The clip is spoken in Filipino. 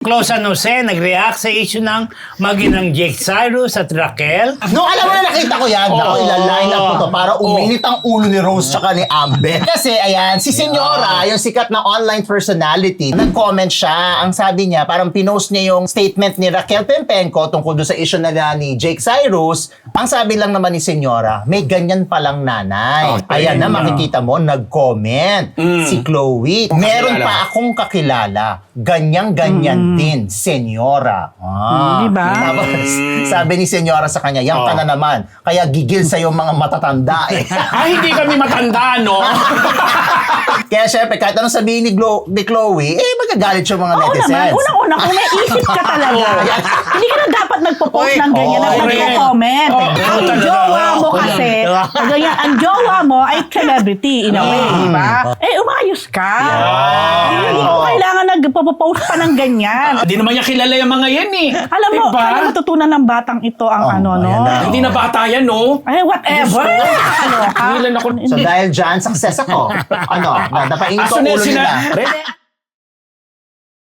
Close San Jose nag-react sa issue ng maginang Jake Cyrus at Raquel. No, alam mo na nakita ko yan. Ako, ilaline up ko to para uminit ang ulo ni Rose tsaka ni Amber. Kasi, ayan, si Senyora, yung sikat na online personality, nag-comment siya. Ang sabi niya, parang pinost niya yung statement ni Raquel Pempenco tungkol doon sa issue na ni Jake Cyrus. Ang sabi lang naman ni Senyora, may ganyan palang nanay. Ayan na, makikita mo, nag-comment si Chloe. Meron pa akong kakilala. Ganyan-ganyan din, Senyora. Diba? Tapos, sabi ni Senyora sa kanya, yan ka na naman. Kaya gigil sa'yo mga matatanda eh. Ay, hindi kami matanda, no? Kaya syempre, kahit anong sabihin ni Chloe, magagalit yung mga Oo netizens. naman, unang-una, kung may isip ka talaga, hindi ka na dapat nagpo-post ng ganyan at nagko-comment. Ang jowa mo kasi, ganyan, ang jowa mo ay celebrity in a way, di ba? Umayos ka. Hindi mo kailangan nagpo-post pa ng ganyan. Hindi naman niya kilala yung mga yan eh. Alam mo, Diba? kaya matutunan ng batang ito ang no? Hindi na bata yan, no? Ay, whatever. Ano ka? Ilan ako. So dahil dyan, success ako. Napaingit ko Aso ang na ulo sila. nila.